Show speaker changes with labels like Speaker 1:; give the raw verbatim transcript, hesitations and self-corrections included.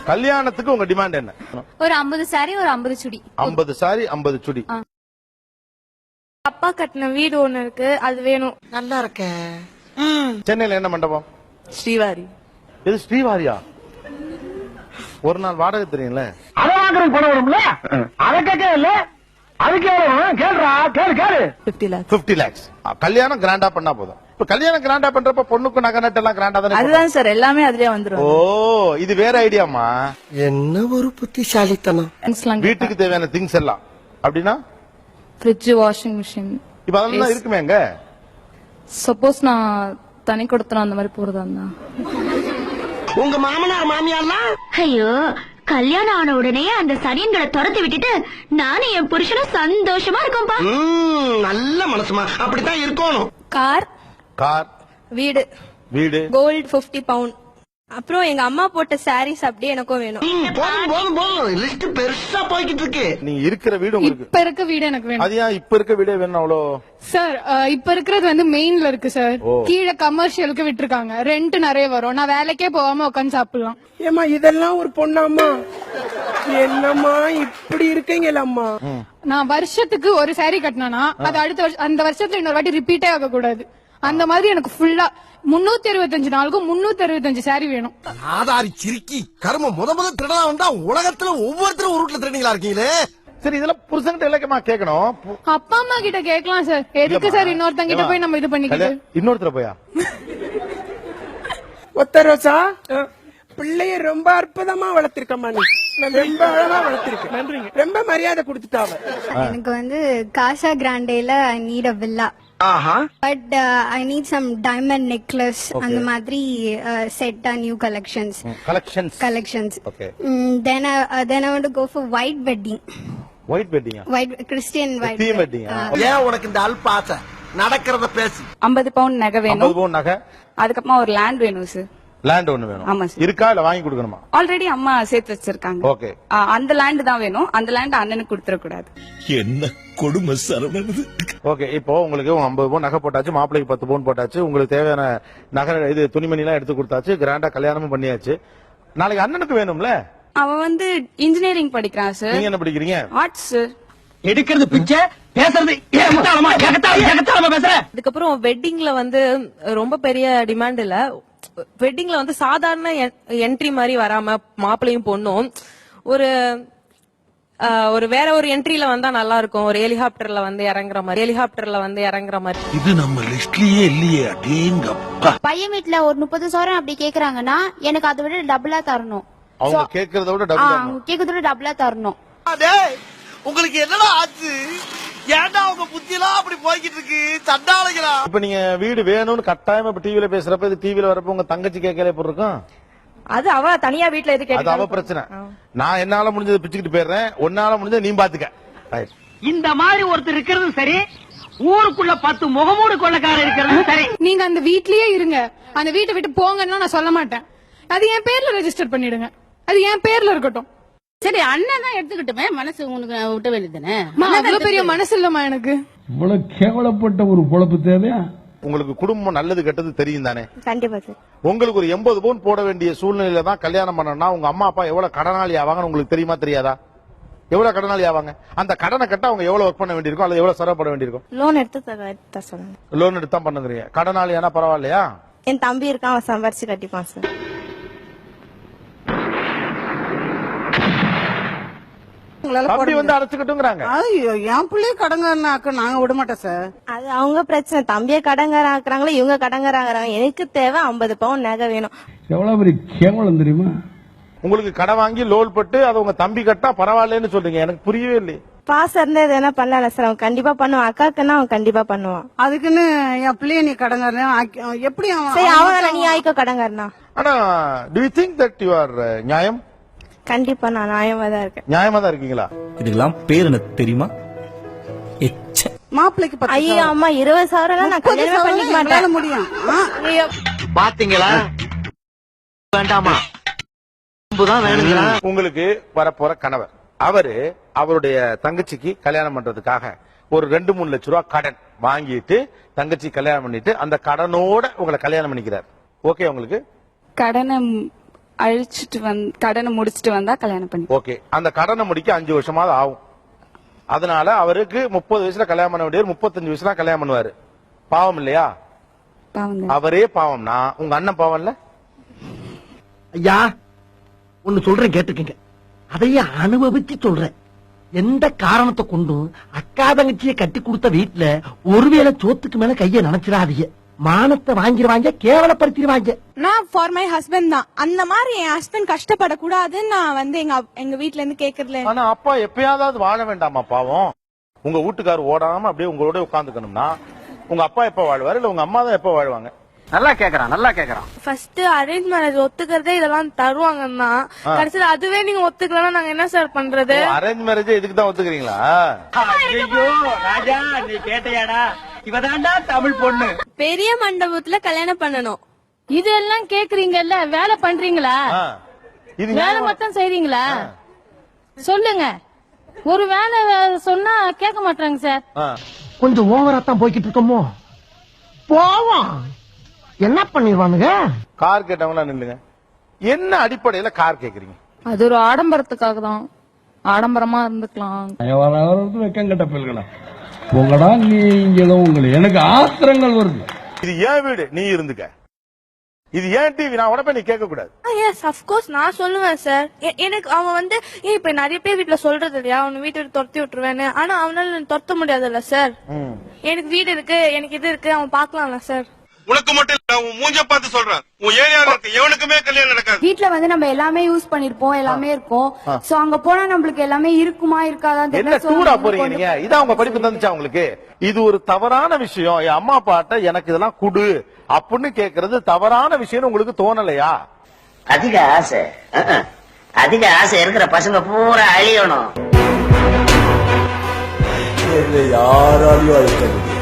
Speaker 1: கல்யாணத்துக்கு உங்க டிமாண்ட் என்ன?
Speaker 2: ஒரு ஐம்பது சாரி ஒரு ஐம்பது சுடி.
Speaker 1: ஐம்பது சாரி ஐம்பது சுடி.
Speaker 2: அப்பா கட்டின வீடு ஒண்ணு இருக்கு, அது வேணும்.
Speaker 3: நல்லா இருக்க.
Speaker 1: சென்னையில என்ன மண்டபம்?
Speaker 3: ஸ்ரீவாரி.
Speaker 1: இது ஸ்ரீவாரியா? ஒரு நாள் வாடகை தெரியும்ல?
Speaker 4: அத வாங்குற பணம் வரும்ல, அத கேட்க இல்ல, அதுக்கு எவ்வளவு கேள்றா, கேளு கேளு.
Speaker 3: பிப்டி லேக்ஸ்.
Speaker 1: பிப்டி லேக்ஸ். கல்யாணம் கிராண்டா பண்ணா போதும். இப்ப கல்யாணம் கிராண்டா பண்றப்ப பொண்ணுக்கு நகை நட்டு எல்லாம் கிராண்டா தானே?
Speaker 3: அதுதான் சார், எல்லாமே அதுலயே வந்துரும்.
Speaker 1: ஓ, இது வேற ஐடியாமா?
Speaker 3: என்ன ஒரு புத்திசாலித்தனம்.
Speaker 1: வீட்டுக்கு தேவையான திங்ஸ் எல்லாம் அப்படின்னா
Speaker 2: ஃப்ரிட்ஜ், வாஷிங் மிஷின்,
Speaker 1: இப்ப அதெல்லாம் இருக்குமே எங்க?
Speaker 2: சப்போஸ் நான் தனி கொடுத்தனும் அந்த மாதிரி போறதா இருந்தா.
Speaker 3: உங்க மாமனார் மாமியார்லாம்
Speaker 5: ஐயோ, கல்யாணம் ஆன உடனே அந்த சனியன்களை துரத்தி விட்டுட்டு நானும் என் புருஷனும் சந்தோஷமா இருக்கோம்பா.
Speaker 3: நல்ல மனசுமா, அப்படித்தான் இருக்கணும்.
Speaker 2: கார்,
Speaker 1: கார்,
Speaker 2: வீடு,
Speaker 1: வீடு,
Speaker 2: கோல்டு பிப்டி பவுண்ட், அப்புறம் எங்க அம்மா போட்ட சாரீஸ் அப்படியே எனக்கும் வேணும்.
Speaker 3: போதும் போதும் போதும், லிஸ்ட் பெருசா போய்கிட்டு இருக்கு.
Speaker 1: நீங்க இருக்கிற வீடு உங்களுக்கு
Speaker 2: இப்ப இருக்க வீடு எனக்கு வேணும்.
Speaker 1: அது ஏன் இப்ப இருக்க வீடே வேணும் அவ்வளோ?
Speaker 2: சார், இப்ப இருக்கிறது வந்து மெயின்ல இருக்கு சார். கீழே கமர்ஷியலுக்கு விட்டுருக்காங்க, ரெண்ட் நிறைய வரும். நான் வேலைக்கே போகாம உட்காந்து சாப்பிடலாம்.
Speaker 6: ஏமா இதெல்லாம் ஒரு பொண்ணாம்மா? என்னம்மா இப்படி இருக்கீங்களம்மா?
Speaker 2: நான் வருஷத்துக்கு ஒரு சாரி கட்டினா அது அடுத்த வருஷம் அந்த வருஷத்துல இன்னொரு வாட்டி ரிப்பீட்டே ஆக கூடாது. அந்த மாதிரி எனக்கு ஃபுல்லா முன்னூத்தி அறுபத்தஞ்சு நாளுக்கும் முன்னூத்தி அறுபத்தஞ்சு சாரி வேணும்.
Speaker 3: ஆதாரி சிரிக்கி கரும முத முத திருடா வந்தா உலகத்துல ஒவ்வொருத்தரும் ஒரு ரூட்ல திருடீங்களா இருக்கீங்களே.
Speaker 1: சரி, இதெல்லாம் புருஷன்கிட்ட இலக்கமா கேட்கணும்.
Speaker 2: அப்பா அம்மா கிட்ட கேட்கலாம் சார். எதுக்கு சார் இன்னொருத்தங்க கிட்ட போய் நம்ம இது பண்ணிக்கிட்டு?
Speaker 1: இன்னொருத்தர போயா?
Speaker 6: ஒத்த ரோசா, பிள்ளைய ரொம்ப அற்புதமா வளர்த்திருக்கம்மா. நீ ரொம்ப அழகா வளர்த்திருக்க. நன்றிங்க. ரொம்ப மரியாதை கொடுத்துட்டாவ.
Speaker 7: எனக்கு வந்து காசா கிராண்டேல I need a villa. But I need some diamond necklace, அந்த மாதிரி set a new collections.
Speaker 1: Collections
Speaker 7: collections.
Speaker 1: Okay.
Speaker 7: Then then I want to go for white wedding.
Speaker 1: White வெட்டிங்கா?
Speaker 7: White Christian white
Speaker 1: theme wedding.
Speaker 3: ஏன் உனக்கு இந்த அல்பாசை? நடக்கிறத பேசி.
Speaker 8: ஐம்பது bound நகை வேணும்.
Speaker 1: ஐம்பது பவுண்ட் நகை.
Speaker 8: அதுக்கப்புறமா ஒரு லேண்ட் வேணும் சார்.
Speaker 1: லேண்ட் ஒண்ணு வேணும்.
Speaker 8: ஆமா சார்.
Speaker 1: இருக்கா இல்ல வாங்கி கொடுக்கணுமா?
Speaker 8: ஆல்ரெடி அம்மா சேர்த்து வச்சிருக்காங்க.
Speaker 1: ஓகே.
Speaker 8: அந்த லேண்ட் தான் வேணும். அந்த லேண்ட் அண்ணனுக்கு கொடுத்துட கூடாது.
Speaker 9: என்ன கொடுமை சரவணது.
Speaker 1: ஓகே, இப்போ உங்களுக்கு ஐம்பது பவுன் நகை போட்டாச்சு, மாப்பிள்ளைக்கு பத்து பவுன் போட்டாச்சு, உங்களுக்கு தேவையான நகை இது துணிமணி எல்லாம் எடுத்து கொடுத்தாச்சு, கிராண்டா கல்யாணமும் பண்ணியாச்சு. நாளைக்கு அண்ணனுக்கு வேணும்ல?
Speaker 8: அவன் வந்து இன்ஜினியரிங் படிக்கிறான் சார்.
Speaker 1: நீங்க என்ன படிக்கிறீங்க?
Speaker 8: Arts sir.
Speaker 4: எடுக்கிறது பிச்சை, பேசுறது ஏகத்தாளமா ஏகத்தாளமா ஏகத்தாளமா பேசுற.
Speaker 10: அதுக்கப்புறம் வெட்டிங்ல வந்து ரொம்ப பெரிய டிமாண்ட் இல்ல. வெட்டிங்ல வந்து சாதாரண என்ட்ரி மாதிரி வராம மாப்பிள்ளையும் பொண்ணும் ஒரு ஒரு வேற ஒரு என்ட்ரில வந்தா நல்லா இருக்கும். ஒரு ஹெலிகாப்டர்ல வந்து இறங்குற மாதிரி ஹெலிகாப்டர்ல வந்து இறங்குற மாதிரி.
Speaker 9: இது நம்ம லிஸ்ட்லயே இல்லையே. அடேங்கப்பா.
Speaker 5: பையன் வீட்டுல ஒரு முப்பது சவரம் அப்படி கேக்குறாங்கன்னா எனக்கு அதை விட டபுளா தரணும்.
Speaker 1: அவங்க கேக்குறத விட டபுள்
Speaker 5: கேக்குறத விட டபுளா தரணும்.
Speaker 3: உங்களுக்கு என்னடா ஆச்சு? ஏன்டா உங்க புத்தி எல்லாம் அப்படி போய்கிட்டு இருக்கு? சண்டாளைகளா?
Speaker 1: இப்ப நீங்க வீடு வேணும்னு கட்டாயமா இப்ப டிவில பேசுறப்ப, இது டிவில வரப்ப உங்க தங்கச்சி கேட்கல எப்படி இருக்கும்?
Speaker 10: அது அவ தனியா வீட்டுல எது
Speaker 1: அது அவ பிரச்சனை. நான் என்னால முடிஞ்சதை பிச்சுக்கிட்டு போயிடுறேன், உன்னால முடிஞ்சதை நீ பாத்துக்க.
Speaker 4: இந்த மாதிரி ஒருத்தர் இருக்கிறது சரி, ஊருக்குள்ள பத்து முகமூடு கொள்ளக்காரர் இருக்கிறது சரி.
Speaker 2: நீங்க அந்த வீட்லயே இருங்க, அந்த வீட்டை விட்டு போங்கன்னா நான் சொல்ல மாட்டேன். அது என் பேர்ல ரெஜிஸ்டர் பண்ணிடுங்க, அது என் பேர்ல இருக்கட்டும்.
Speaker 10: சரி, அண்ணன் தான் எடுத்துக்கிட்டுமே, மனசு உனக்கு விட்ட வேண்டியதானே.
Speaker 2: அவ்வளவு பெரிய மனசு இல்லமா எனக்கு.
Speaker 9: இவ்வளவு கேவலப்பட்ட ஒரு பொழப்பு தேவையா?
Speaker 1: உங்களுக்கு குடும்பம் நல்லது கெட்டது தெரியும் தானே?
Speaker 7: கண்டிப்பா சார்.
Speaker 1: உங்களுக்கு ஒரு எண்பது பவுன் போட வேண்டிய சூழ்நிலையில தான் கல்யாணம் பண்ணனா உங்க அம்மா அப்பா எவ்வளவு கடனாளி ஆவாங்கன்னு உங்களுக்கு தெரியுமா தெரியாதா? எவ்வளவு கடனாளி ஆவாங்க? அந்த கடனை கட்ட அவங்க எவ்வளவு ஒர்க் பண்ண வேண்டியிருக்கும், அல்லது எவ்வளவு சிரமப்பட வேண்டியிருக்கும்?
Speaker 7: லோன் எடுத்து சொல்லுங்க.
Speaker 1: லோன் எடுத்து தான் பண்ணுறீங்க. கடனாளி ஆனா பரவாயில்லையா?
Speaker 7: என் தம்பி இருக்கான், அவன் சம்பாரிச்சு கட்டிப்பான் சார்.
Speaker 1: அப்படி வந்து அடைச்சுக்கிட்டுங்கிறாங்க.
Speaker 3: என் பிள்ளைய கடங்காரனாக்க நாங்க விட மாட்டோம் சார்.
Speaker 7: அது அவங்க பிரச்சனை. தம்பிய கடங்காரன் ஆக்குறாங்களோ இவங்க கடங்காரங்கிறாங்க. எனக்கு தேவை ஐம்பது பவுன் நகை வேணும்.
Speaker 9: எவ்வளவு பெரிய கேவலம் தெரியுமா?
Speaker 1: உங்களுக்கு கடை வாங்கி லோன் பட்டு அதை உங்க தம்பி கட்டா பரவாயில்லன்னு சொல்றீங்க. எனக்கு புரியவே இல்லை.
Speaker 7: பாசம் இருந்தா எது என்ன பண்ணல சார். அவன் கண்டிப்பா பண்ணுவான். அக்காக்குன்னா அவன் கண்டிப்பா பண்ணுவான்.
Speaker 3: அதுக்குன்னு என் பிள்ளைய நீ கடங்காரன் எப்படி?
Speaker 7: சரி, அவன் நீ ஆயிக்கோ கடங்காரனா.
Speaker 1: ஆனா do you think that you are நியாயம்?
Speaker 7: கண்டிப்பா நான் நியாயமா தான் இருக்கேன்.
Speaker 1: நியாயமா தான் இருக்கீங்களா?
Speaker 9: இதுக்கெல்லாம் பேர் என்ன தெரியுமா?
Speaker 3: மாப்பிளைக்கு
Speaker 7: ஐயோ அம்மா, இருபது சவரம் நான் கல்யாணம் பண்ணிக்க மாட்டேன்.
Speaker 3: முடியும்.
Speaker 4: பாத்தீங்களா? வேண்டாமா
Speaker 1: உங்களுக்கு வரப்போற கணவர் அவரு அவருடைய தங்கச்சிக்கு கல்யாணம் பண்றதுக்காக ஒரு ரெண்டு மூணு லட்சம் ரூபாய் கடன் வாங்கிட்டு தங்கச்சி கல்யாணம் பண்ணிட்டு அந்த கடனோட உங்களை கல்யாணம் பண்ணிக்கிறார். ஓகே உங்களுக்கு?
Speaker 8: கடனை அழிச்சிட்டு வந்து கடனை முடிச்சிட்டு வந்தா கல்யாணம் பண்ணி.
Speaker 1: ஓகே, அந்த கடனை முடிக்க அஞ்சு வருஷமாவது ஆகும். அதனால அவருக்கு முப்பது வயசுல கல்யாணம் பண்ண வேண்டியவர் முப்பத்தஞ்சு வயசுல கல்யாணம் பண்ணுவாரு. பாவம் இல்லையா?
Speaker 8: பாவம்.
Speaker 1: அவரே பாவம்னா உங்க அண்ணன் பாவம் இல்ல?
Speaker 3: ஐயா ஒன்னு சொல்றேன் கேட்டுக்கங்க. அதையே அனுபவிச்சு சொல்றேன். எந்த காரணத்தை கொண்டும் அக்கா தங்கச்சியை கட்டி கொடுத்த வீட்டுல ஒருவேளை சோத்துக்கு மேல கைய நினைச்சிடாதீங்க. மானத்தை வாங்கிடுவாங்க, கேவலப்படுத்திடுவாங்க.
Speaker 2: நான் ஃபார் மை ஹஸ்பண்ட் தான். அந்த மாதிரி என் ஹஸ்பண்ட் கஷ்டப்படக்கூடாதுன்னு நான் வந்து எங்க எங்க வீட்ல இருந்து கேக்குறதுல.
Speaker 1: ஆனா அப்பா எப்பயாவது வாழ வேண்டாமா பாவம்? உங்க வீட்டுக்காரர் ஓடாம அப்படியே உங்களோட உட்காந்துக்கணும்னா உங்க அப்பா எப்ப வாழ்வாரு இல்ல உங்க அம்மா தான் எப்ப வாழ்வாங்க?
Speaker 4: நல்லா கேக்குறான் நல்லா கேக்குறான்.
Speaker 10: ஃபர்ஸ்ட் அரேஞ்ச் மேரேஜ் ஒத்துக்கிறதே இதெல்லாம் தருவாங்கன்னா கடைசியில அதுவே நீங்க ஒத்துக்கலன்னா நாங்க என்ன சார் பண்றது?
Speaker 1: அரேஞ்ச் மேரேஜ் இதுக்கு தான் ஒத்துக்கிறீங்களா?
Speaker 4: ஐயோ ராஜா நீ கேட்டையாடா, இவதாண்டா தமிழ் பொண்ணு.
Speaker 10: பெரிய மண்டபத்துல கல்யாணம் பண்ணணும்.
Speaker 2: இதெல்லாம் கேக்குறீங்கல்ல, வேலை பண்றீங்களா?
Speaker 1: ஆ. இது
Speaker 2: வேலை
Speaker 1: நியாயமா-
Speaker 2: மட்டும் செய்றீங்களா? சொல்லுங்க. ஒரு வேலை சொன்னா கேட்க மாட்டாங்க சார்.
Speaker 1: ஆ.
Speaker 3: கொஞ்சம் ஓவரா தான் போய்கிட்டு இருக்கோமோ. போவோம், என்ன பண்ணிடுவானுங்க?
Speaker 1: கார் கேட்டவங்களா நில்லுங்க. என்ன அடிப்படையில கார் கேக்குறீங்க?
Speaker 8: அது ஒரு ஆடம்பரத்துக்காக தான். ஆடம்பரமா இருந்துக்கலாம்.
Speaker 9: வெக்கம் கட்ட பிள்ளைகளா உங்களடா நீங்களும் உங்களை எனக்கு ஆத்திரங்கள் வருது.
Speaker 1: இது ஏன் வீடு, நீ இருந்துக்க. இது ஏன் டிவி, நான் உடனே நீ கேட்க கூடாது.
Speaker 10: எஸ் ஆஃப் கோர்ஸ் நான் சொல்லுவேன் சார். எனக்கு அவன் வந்து ஏன் இப்ப நிறைய பேர் வீட்டுல சொல்றது இல்லையா, அவன் வீட்டை துரத்தி விட்டுருவேன்னு. ஆனா அவனால துரத்த முடியாதுல்ல சார். எனக்கு வீடு இருக்கு, எனக்கு இது இருக்கு, அவன் பாக்கலாம்ல சார்.
Speaker 11: உனக்கு மட்டும் இல்ல, உன் மூஞ்ச பார்த்து சொல்றேன். உன் ஏரியால இருக்க எவனுக்குமே கல்யாணம் நடக்காது.
Speaker 2: வீட்ல வந்து நம்ம எல்லாமே யூஸ் பண்ணிருப்போம், எல்லாமே இருக்கும். சோ அங்க போனா நம்மளுக்கு எல்லாமே இருக்குமா இருக்காதான்
Speaker 1: என்ன
Speaker 2: தெரியல. So,
Speaker 1: டூரா போறீங்க நீங்க? இதான் உங்க படிப்பு தந்துச்சா உங்களுக்கு? இது ஒரு தவறான விஷயம். என் அம்மா அப்பாட்ட எனக்கு இதெல்லாம் குடு அப்படின்னு கேக்குறது தவறான விஷயம் உங்களுக்கு தோணலையா?
Speaker 4: அதிக ஆசை அதிக ஆசை இருக்கிற பசங்க பூரா அழியணும்.
Speaker 3: யாராலையும் அழிக்க முடியாது.